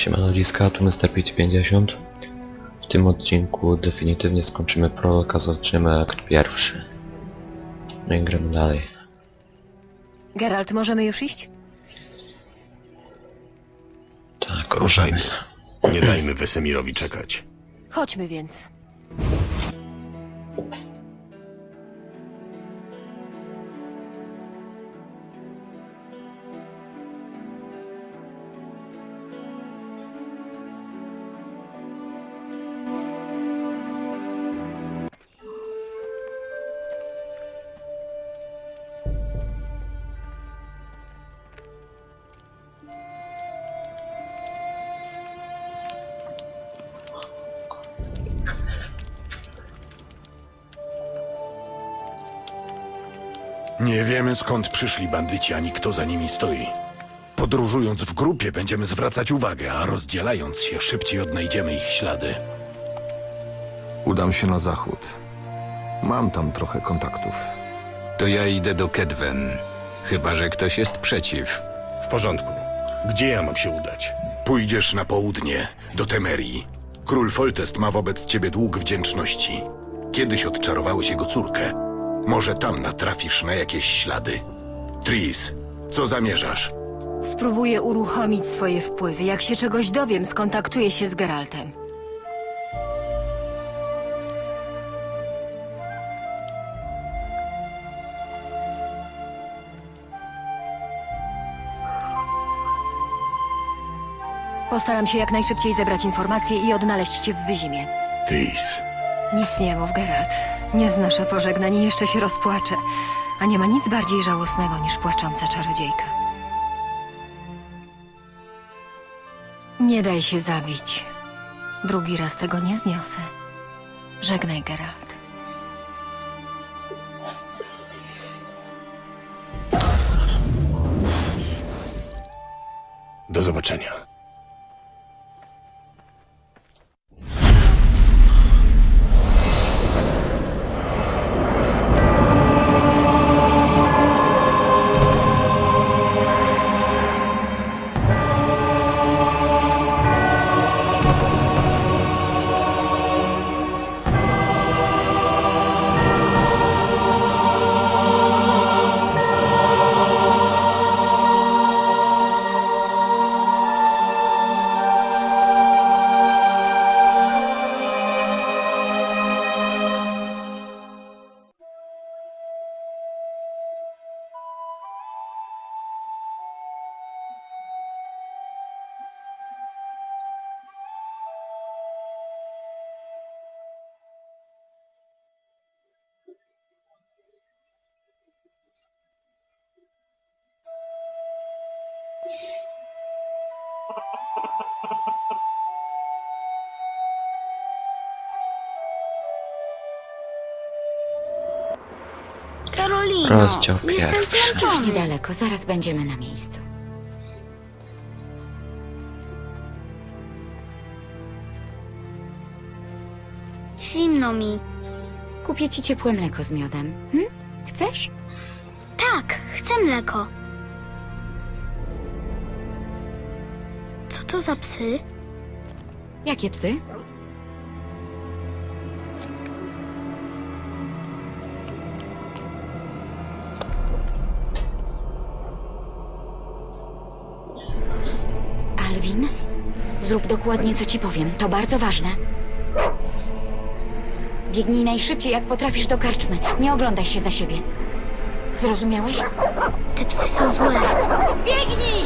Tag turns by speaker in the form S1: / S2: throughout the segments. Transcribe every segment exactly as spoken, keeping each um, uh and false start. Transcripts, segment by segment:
S1: Siema ludziska, tu mister P pięćdziesiąt. W tym odcinku definitywnie skończymy prolog, a zaczniemy akt pierwszy. No i gramy dalej.
S2: Geralt, możemy już iść?
S1: Tak,
S3: Ruszajmy.
S1: ruszamy.
S3: Nie dajmy Wesemirowi czekać.
S2: Chodźmy więc.
S4: Nie wiemy, skąd przyszli bandyci, ani kto za nimi stoi. Podróżując w grupie będziemy zwracać uwagę, a rozdzielając się szybciej odnajdziemy ich ślady.
S5: Udam się na zachód. Mam tam trochę kontaktów.
S6: To ja idę do Kedwen. Chyba że ktoś jest przeciw.
S3: W porządku. Gdzie ja mam się udać?
S4: Pójdziesz na południe, do Temerii. Król Foltest ma wobec ciebie dług wdzięczności. Kiedyś odczarowałeś jego córkę. Może tam natrafisz na jakieś ślady. Tris, co zamierzasz?
S2: Spróbuję uruchomić swoje wpływy. Jak się czegoś dowiem, skontaktuję się z Geraltem. Postaram się jak najszybciej zebrać informacje i odnaleźć cię w Wyzimie.
S4: Tris.
S2: Nic nie mów, Geralt. Nie znoszę pożegnań i jeszcze się rozpłaczę. A nie ma nic bardziej żałosnego niż płacząca czarodziejka. Nie daj się zabić. Drugi raz tego nie zniosę. Żegnaj, Geralt.
S3: Do zobaczenia.
S7: Karolino,
S1: Rozdział
S7: jestem
S1: pierwszy.
S8: Już
S7: zmęczony.
S8: niedaleko, zaraz będziemy na miejscu.
S7: Zimno mi.
S8: Kupię ci ciepłe mleko z miodem. Hm? Chcesz?
S7: Tak, chcę mleko. Co to za psy?
S8: Jakie psy? Alwin? Zrób dokładnie, co ci powiem. To bardzo ważne. Biegnij najszybciej, jak potrafisz do karczmy. Nie oglądaj się za siebie. Zrozumiałeś?
S7: Te psy są złe.
S8: Biegnij!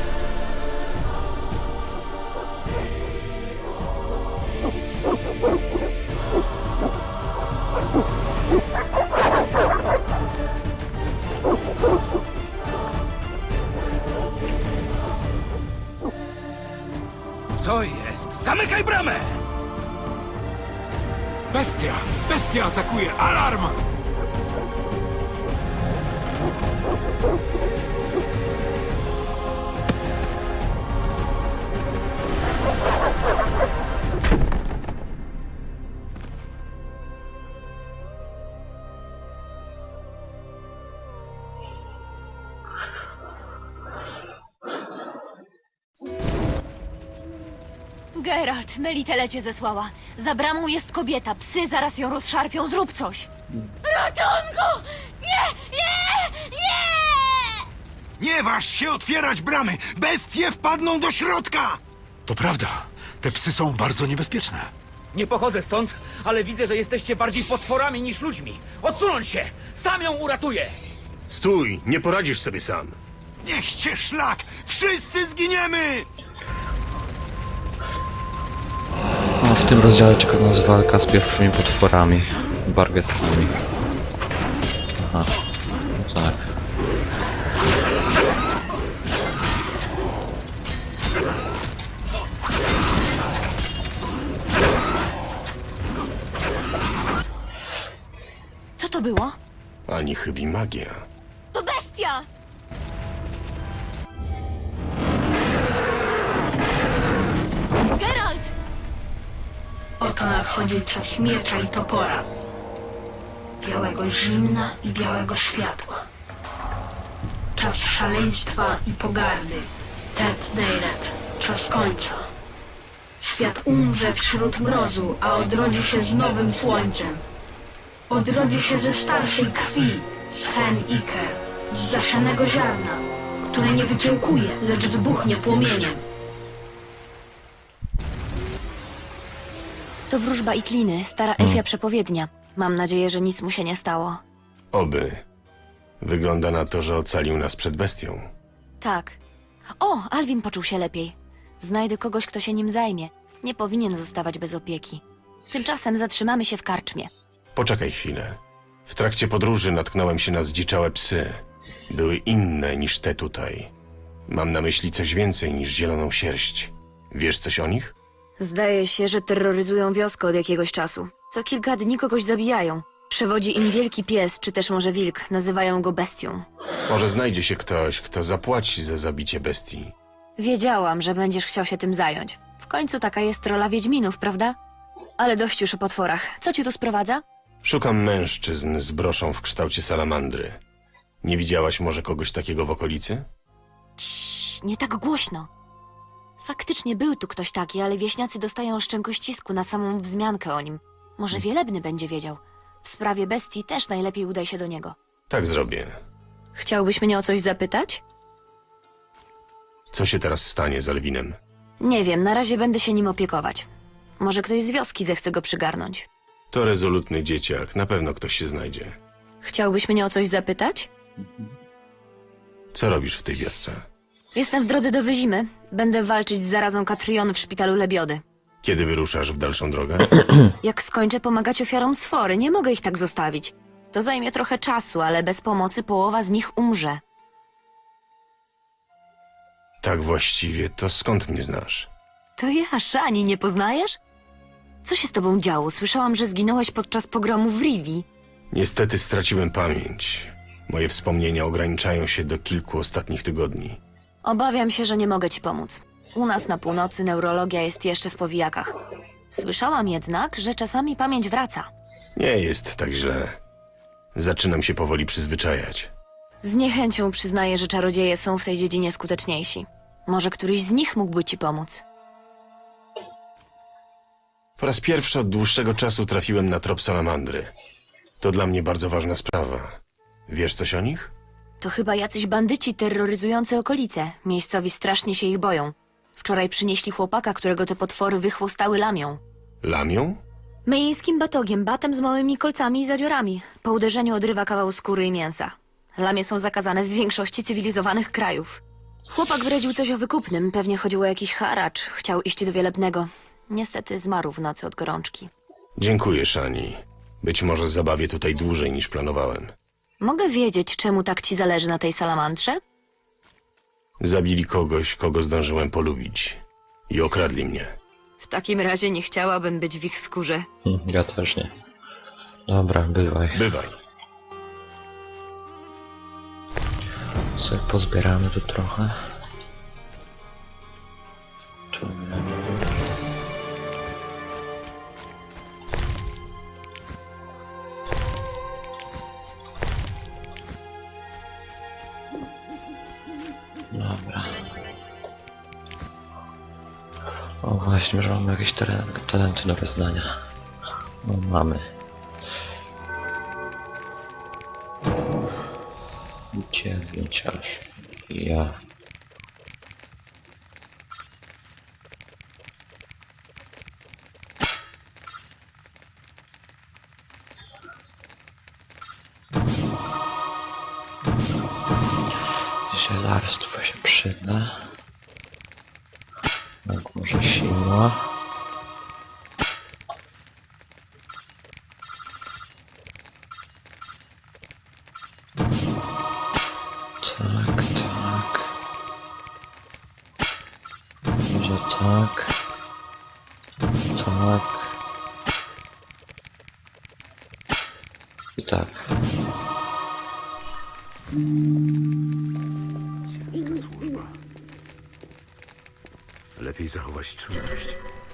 S9: Co jest? Zamykaj bramę! Bestia! Bestia atakuje! Alarm!
S8: Geralt, Melitele cię zesłała. Za bramą jest kobieta, psy zaraz ją rozszarpią, zrób coś! Ratunku! Nie, nie, nie!
S9: Nie waż się otwierać bramy! Bestie wpadną do środka!
S3: To prawda. Te psy są bardzo niebezpieczne.
S9: Nie pochodzę stąd, ale widzę, że jesteście bardziej potworami niż ludźmi. Odsunąć się! Sam ją uratuję!
S3: Stój, nie poradzisz sobie sam.
S9: Niech cię szlak! Wszyscy zginiemy!
S1: No, w tym rozdziale czeka nas walka z pierwszymi potworami. Bargestami. Aha. No tak.
S8: Co to było?
S3: Ani chybi magia.
S8: To bestia! Geralt!
S10: Oto nadchodzi czas miecza i topora. Białego zimna i białego światła. Czas szaleństwa i pogardy. Tet Deiret. Czas końca. Świat umrze wśród mrozu, a odrodzi się z nowym słońcem. Odrodzi się ze starszej krwi, z hen Iker, z zasianego ziarna, które nie wykiełkuje, lecz wybuchnie płomieniem.
S8: To wróżba i kliny, stara elfia przepowiednia. Mam nadzieję, że nic mu się nie stało.
S3: Oby. Wygląda na to, że ocalił nas przed bestią.
S8: Tak. O, Alwin poczuł się lepiej. Znajdę kogoś, kto się nim zajmie. Nie powinien zostawać bez opieki. Tymczasem zatrzymamy się w karczmie.
S3: Poczekaj chwilę. W trakcie podróży natknąłem się na zdziczałe psy. Były inne niż te tutaj. Mam na myśli coś więcej niż zieloną sierść. Wiesz coś o nich?
S8: Zdaje się, że terroryzują wioskę od jakiegoś czasu. Co kilka dni kogoś zabijają. Przewodzi im wielki pies, czy też może wilk. Nazywają go bestią.
S3: Może znajdzie się ktoś, kto zapłaci za zabicie bestii.
S8: Wiedziałam, że będziesz chciał się tym zająć. W końcu taka jest rola wiedźminów, prawda? Ale dość już o potworach. Co ci tu sprowadza?
S3: Szukam mężczyzn z broszą w kształcie salamandry. Nie widziałaś może kogoś takiego w okolicy?
S8: Ciii, nie tak głośno. Faktycznie był tu ktoś taki, ale wieśniacy dostają szczękościsku na samą wzmiankę o nim. Może Wielebny będzie wiedział. W sprawie bestii też najlepiej udaj się do niego.
S3: Tak zrobię.
S8: Chciałbyś mnie o coś zapytać?
S3: Co się teraz stanie z Alwinem?
S8: Nie wiem, na razie będę się nim opiekować. Może ktoś z wioski zechce go przygarnąć.
S3: To rezolutny dzieciak, na pewno ktoś się znajdzie.
S8: Chciałbyś mnie o coś zapytać?
S3: Co robisz w tej wiosce?
S8: Jestem w drodze do Wyzimy. Będę walczyć z zarazą Katrion w szpitalu Lebiody.
S3: Kiedy wyruszasz w dalszą drogę?
S8: Jak skończę pomagać ofiarom sfory, nie mogę ich tak zostawić. To zajmie trochę czasu, ale bez pomocy połowa z nich umrze.
S3: Tak właściwie, to skąd mnie znasz?
S8: To ja, Szani, nie poznajesz? Co się z tobą działo? Słyszałam, że zginąłeś podczas pogromu w Rivi.
S3: Niestety straciłem pamięć. Moje wspomnienia ograniczają się do kilku ostatnich tygodni.
S8: Obawiam się, że nie mogę ci pomóc. U nas na północy neurologia jest jeszcze w powijakach. Słyszałam jednak, że czasami pamięć wraca.
S3: Nie jest tak źle. Zaczynam się powoli przyzwyczajać.
S8: Z niechęcią przyznaję, że czarodzieje są w tej dziedzinie skuteczniejsi. Może któryś z nich mógłby ci pomóc.
S3: Po raz pierwszy od dłuższego czasu trafiłem na trop salamandry. To dla mnie bardzo ważna sprawa. Wiesz coś o nich?
S8: To chyba jacyś bandyci terroryzujący okolice. Miejscowi strasznie się ich boją. Wczoraj przynieśli chłopaka, którego te potwory wychłostały lamią.
S3: Lamią?
S8: Myjskim batogiem, batem z małymi kolcami i zadziorami. Po uderzeniu odrywa kawał skóry i mięsa. Lamie są zakazane w większości cywilizowanych krajów. Chłopak bredził coś o wykupnym, pewnie chodziło o jakiś haracz. Chciał iść do Wielebnego. Niestety zmarł w nocy od gorączki.
S3: Dziękuję, Szani. Być może zabawię tutaj dłużej niż planowałem.
S8: Mogę wiedzieć, czemu tak ci zależy na tej salamandrze?
S3: Zabili kogoś, kogo zdążyłem polubić. I okradli mnie.
S8: W takim razie nie chciałabym być w ich skórze.
S1: Hm, ja też nie. Dobra, bywaj.
S3: Bywaj.
S1: Sobie pozbieramy tu trochę. Tu... Dobra. O właśnie, że mamy jakieś teren- talenty do wyznania. No mamy. Dziewięć aż. Ja. Zielarstwo się przyda. Tak, może siła. Tak, tak. Może tak. Tak. I tak.
S11: Lepiej zachować czujność.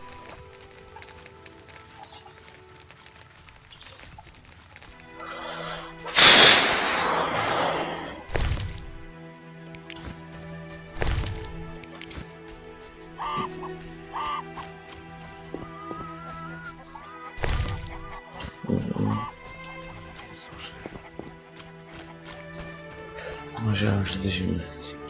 S1: Może aż do zimny.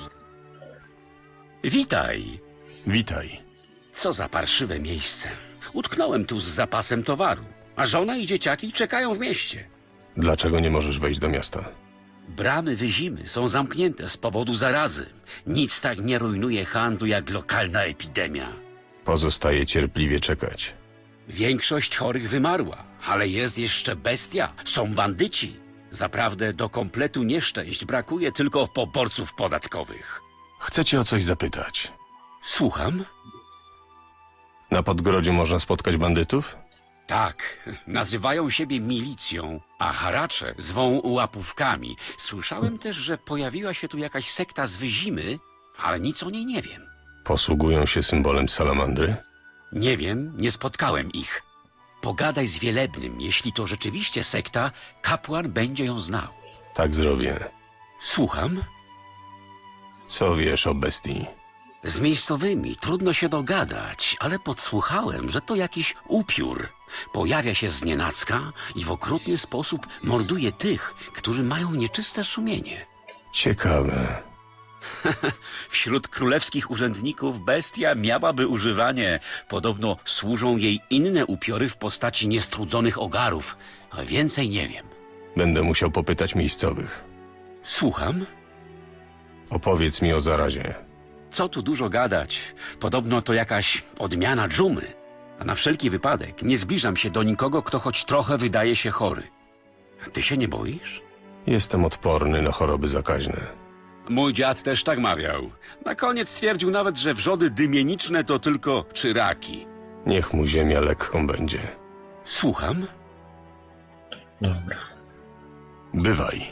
S12: Witaj.
S3: Witaj.
S12: Co za parszywe miejsce. Utknąłem tu z zapasem towaru, a żona i dzieciaki czekają w mieście.
S3: Dlaczego nie możesz wejść do miasta?
S12: Bramy Wyzimy są zamknięte z powodu zarazy. Nic tak nie rujnuje handlu jak lokalna epidemia.
S3: Pozostaje cierpliwie czekać.
S12: Większość chorych wymarła, ale jest jeszcze bestia. Są bandyci. Zaprawdę do kompletu nieszczęść brakuje tylko poborców podatkowych.
S3: Chcę cię o coś zapytać.
S12: Słucham?
S3: Na Podgrodziu można spotkać bandytów?
S12: Tak, nazywają siebie milicją, a haracze zwą łapówkami. Słyszałem też, że pojawiła się tu jakaś sekta z Wyzimy, ale nic o niej nie wiem.
S3: Posługują się symbolem salamandry?
S12: Nie wiem, nie spotkałem ich. Pogadaj z Wielebnym, jeśli to rzeczywiście sekta, kapłan będzie ją znał.
S3: Tak zrobię.
S12: Słucham?
S3: Co wiesz o bestii?
S12: Z miejscowymi trudno się dogadać, ale podsłuchałem, że to jakiś upiór. Pojawia się znienacka i w okrutny sposób morduje tych, którzy mają nieczyste sumienie.
S3: Ciekawe.
S12: Wśród królewskich urzędników bestia miałaby używanie. Podobno służą jej inne upiory w postaci niestrudzonych ogarów, a więcej nie wiem.
S3: Będę musiał popytać miejscowych.
S12: Słucham?
S3: Opowiedz mi o zarazie.
S12: Co tu dużo gadać? Podobno to jakaś odmiana dżumy. A na wszelki wypadek nie zbliżam się do nikogo, kto choć trochę wydaje się chory. Ty się nie boisz?
S3: Jestem odporny na choroby zakaźne.
S12: Mój dziad też tak mawiał. Na koniec twierdził nawet, że wrzody dymieniczne to tylko czyraki.
S3: Niech mu ziemia lekką będzie.
S12: Słucham?
S1: Dobra.
S3: Bywaj.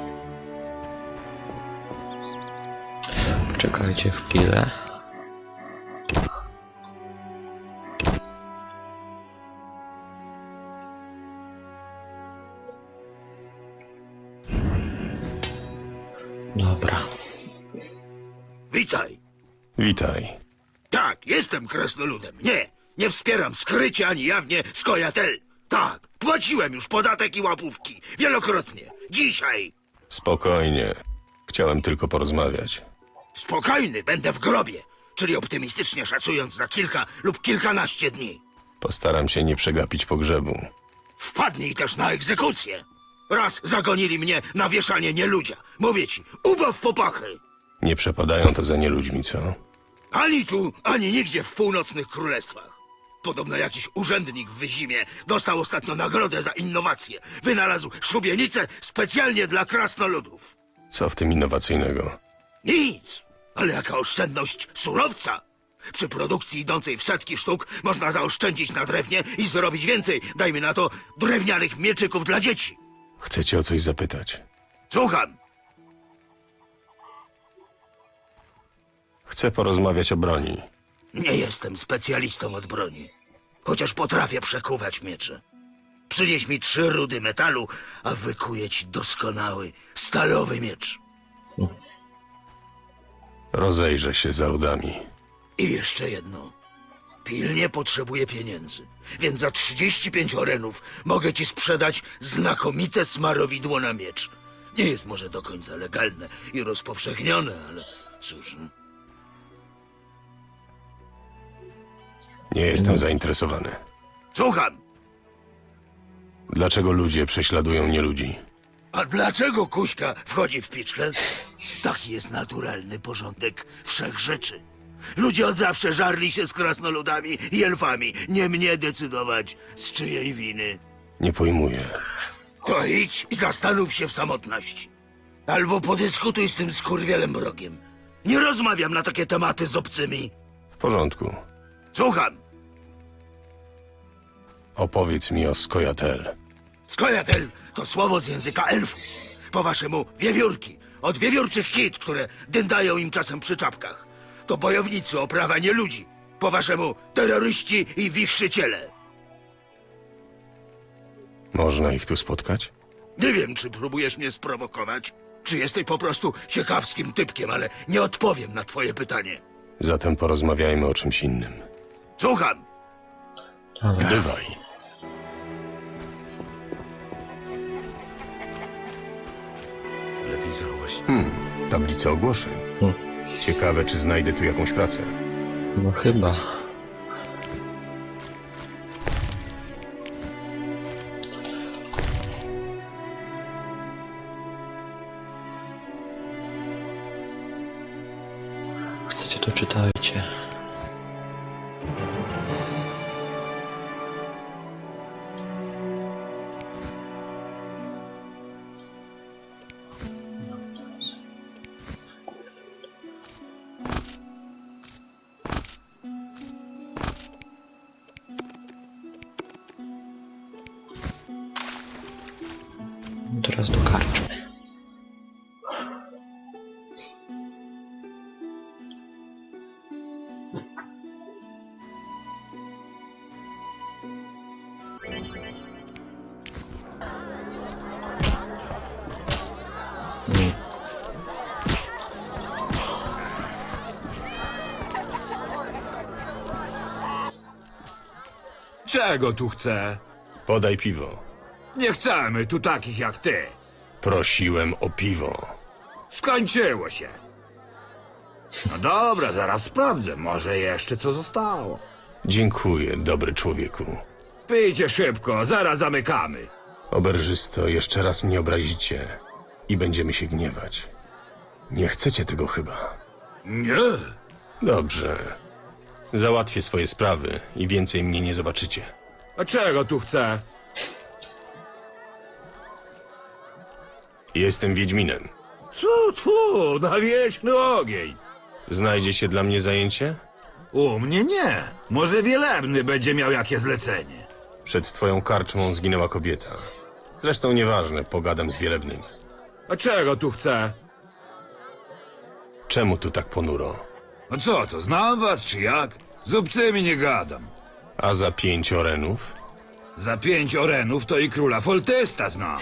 S1: Czekajcie chwilę. Dobra.
S11: Witaj.
S3: Witaj.
S11: Tak, jestem krasnoludem. Nie, nie wspieram skrycie ani jawnie Skojatel. Tak, płaciłem już podatek i łapówki. Wielokrotnie. Dzisiaj.
S3: Spokojnie. Chciałem tylko porozmawiać.
S11: Spokojny będę w grobie. Czyli optymistycznie szacując za kilka lub kilkanaście dni.
S3: Postaram się nie przegapić pogrzebu.
S11: Wpadnij też na egzekucję. Raz zagonili mnie na wieszanie nieludzia. Mówię ci, ubaw popachy.
S3: Nie przepadają to za nieludźmi, co?
S11: Ani tu, ani nigdzie w północnych królestwach. Podobno jakiś urzędnik w Wyzimie dostał ostatnio nagrodę za innowację. Wynalazł szubienicę specjalnie dla krasnoludów.
S3: Co w tym innowacyjnego?
S11: Nic, ale jaka oszczędność surowca. Przy produkcji idącej w setki sztuk można zaoszczędzić na drewnie i zrobić więcej, dajmy na to, drewnianych mieczyków dla dzieci.
S3: Chcę cię o coś zapytać.
S11: Słucham.
S3: Chcę porozmawiać o broni.
S11: Nie jestem specjalistą od broni, chociaż potrafię przekuwać miecze. Przynieś mi trzy rudy metalu, a wykuję ci doskonały, stalowy miecz.
S3: Rozejrzę się za rudami.
S11: I jeszcze jedno. pilnie potrzebuję pieniędzy. Więc za trzydzieści pięć orenów mogę ci sprzedać znakomite smarowidło na miecz. Nie jest może do końca legalne i rozpowszechnione, ale cóż... no.
S3: Nie jestem zainteresowany.
S11: Słucham!
S3: Dlaczego ludzie prześladują nieludzi?
S11: A dlaczego Kuśka wchodzi w piczkę? Taki jest naturalny porządek wszechrzeczy. Ludzie od zawsze żarli się z krasnoludami i elfami. Nie mnie decydować, z czyjej winy.
S3: Nie pojmuję.
S11: To idź i zastanów się w samotności. Albo podyskutuj z tym skurwielem mrogiem. Nie rozmawiam na takie tematy z obcymi.
S3: W porządku.
S11: Słucham.
S3: Opowiedz mi o Skojatel.
S11: Skojatel to słowo z języka elfów. Po waszemu wiewiórki. Od wiewiórczych kit, które dyndają im czasem przy czapkach. To bojownicy o prawa nie ludzi. Po waszemu terroryści i wichrzyciele.
S3: Można ich tu spotkać?
S11: Nie wiem, czy próbujesz mnie sprowokować, czy jesteś po prostu ciekawskim typkiem, ale nie odpowiem na twoje pytanie.
S3: Zatem porozmawiajmy o czymś innym.
S11: Słucham.
S1: Dobra.
S3: Bywaj.
S11: Lepiej zachować.
S3: Hmm, tablica ogłoszeń.
S1: Hmm.
S3: Ciekawe, czy znajdę tu jakąś pracę.
S1: No chyba. Chcecie, to czytajcie. Teraz do karczmy. Mm.
S9: Czego tu chce?
S3: Podaj piwo.
S9: Nie chcemy tu takich jak ty.
S3: Prosiłem o piwo.
S9: Skończyło się. No dobra, zaraz sprawdzę. Może jeszcze co zostało.
S3: Dziękuję, dobry człowieku.
S9: Pijcie szybko, zaraz zamykamy.
S3: Oberżysto, jeszcze raz mnie obrazicie i będziemy się gniewać. Nie chcecie tego chyba.
S9: Nie.
S3: Dobrze. Załatwię swoje sprawy i więcej mnie nie zobaczycie.
S9: A czego tu chce?
S3: Jestem Wiedźminem.
S9: Co tfu, na wieczny ogień.
S3: Znajdzie się dla mnie zajęcie?
S9: U mnie nie. Może Wielebny będzie miał jakie zlecenie.
S3: Przed twoją karczmą zginęła kobieta. Zresztą nieważne, pogadam z Wielebnym.
S9: A czego tu chce?
S3: Czemu tu tak ponuro?
S9: A co to, znam was czy jak? Z obcymi nie gadam.
S3: A za pięć orenów?
S9: Za pięć orenów to i króla Foltesta znam.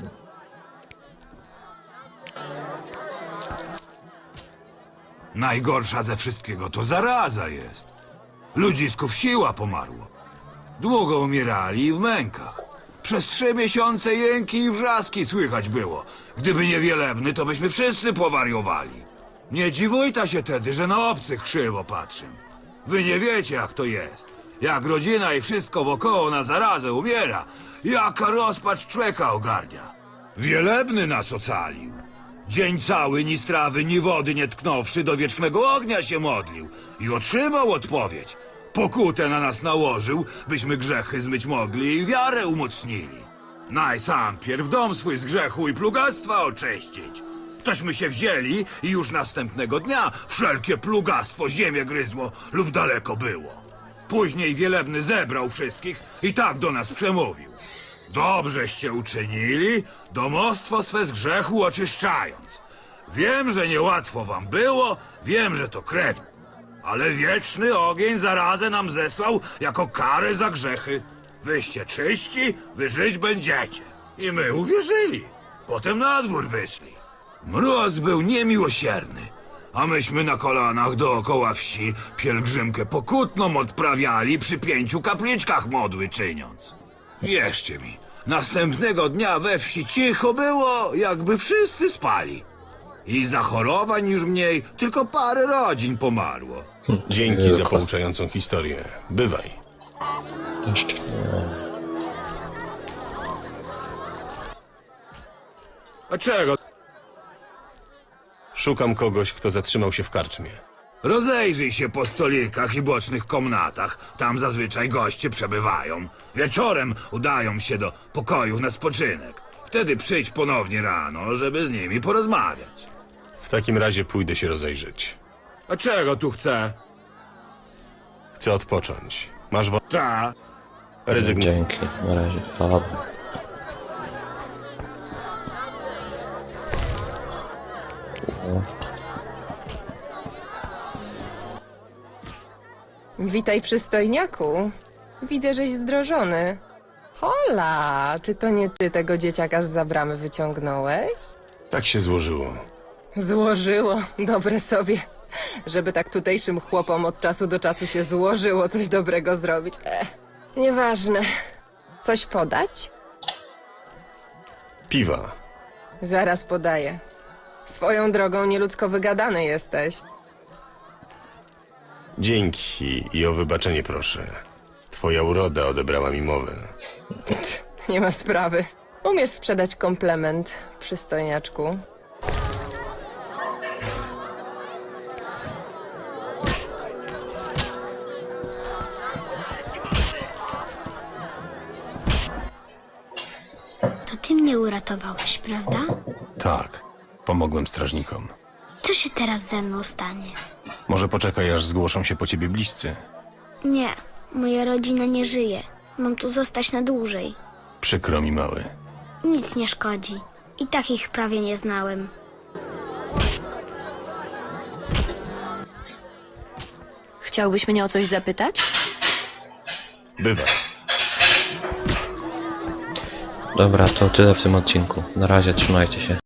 S9: Najgorsza ze wszystkiego to zaraza jest. Ludzisków siła pomarło. Długo umierali i w mękach. Przez trzy miesiące jęki i wrzaski słychać było. Gdyby nie Wielebny, to byśmy wszyscy powariowali. Nie dziwujta się tedy, że na obcych krzywo patrzę. Wy nie wiecie, jak to jest. Jak rodzina i wszystko wokoło na zarazę umiera, jaka rozpacz człowieka ogarnia. Wielebny nas ocalił. Dzień cały ni strawy, ni wody nie tknąwszy, do wiecznego ognia się modlił i otrzymał odpowiedź. Pokutę na nas nałożył, byśmy grzechy zmyć mogli i wiarę umocnili. Naj sam pierw dom swój z grzechu i plugastwa oczyścić. Tośmy się wzięli i już następnego dnia wszelkie plugastwo ziemię gryzło lub daleko było. Później Wielebny zebrał wszystkich i tak do nas przemówił. Dobrzeście uczynili, domostwo swe z grzechu oczyszczając. Wiem, że niełatwo wam było, wiem, że to krew, ale wieczny ogień zarazę nam zesłał jako karę za grzechy. Wyście czyści, wy żyć będziecie. I my uwierzyli. Potem na dwór wyszli. Mróz był niemiłosierny, A myśmy na kolanach dookoła wsi pielgrzymkę pokutną odprawiali przy pięciu kapliczkach modły czyniąc. Wierzcie mi, następnego dnia we wsi cicho było, jakby wszyscy spali. I zachorowań już mniej, tylko parę rodzin pomarło.
S3: Dzięki za pouczającą historię. Bywaj.
S1: Jeszcze nie.
S9: A czego?
S3: Szukam kogoś, kto zatrzymał się w karczmie.
S9: Rozejrzyj się po stolikach i bocznych komnatach. Tam zazwyczaj goście przebywają. Wieczorem udają się do pokojów na spoczynek. Wtedy przyjdź ponownie rano, żeby z nimi porozmawiać.
S3: W takim razie pójdę się rozejrzeć.
S9: A czego tu chcę?
S3: Chcę odpocząć. Masz wo...
S9: Ta.
S3: Rezygnuj.
S1: Dzięki, na razie. Dobra.
S13: Witaj, przystojniaku. Widzę, żeś zdrożony. Hola, czy to nie ty tego dzieciaka z zabramy wyciągnąłeś?
S3: Tak się złożyło.
S13: Złożyło, dobre sobie. Żeby tak tutejszym chłopom od czasu do czasu się złożyło coś dobrego zrobić. Ech, nieważne. Coś podać?
S3: Piwa.
S13: Zaraz podaję. Swoją drogą nieludzko wygadany jesteś.
S3: Dzięki i o wybaczenie proszę. Twoja uroda odebrała mi mowę.
S13: Nie ma sprawy. Umiesz sprzedać komplement, przystojniaczku.
S7: To ty mnie uratowałeś, prawda?
S3: Tak. Pomogłem strażnikom.
S7: Co się teraz ze mną stanie?
S3: Może poczekaj, aż zgłoszą się po ciebie bliscy.
S7: Nie, moja rodzina nie żyje. Mam tu zostać na dłużej.
S3: Przykro mi, mały.
S7: Nic nie szkodzi. I tak ich prawie nie znałem.
S8: Chciałbyś mnie o coś zapytać?
S3: Bywaj.
S1: Dobra, to tyle w tym odcinku. Na razie, trzymajcie się.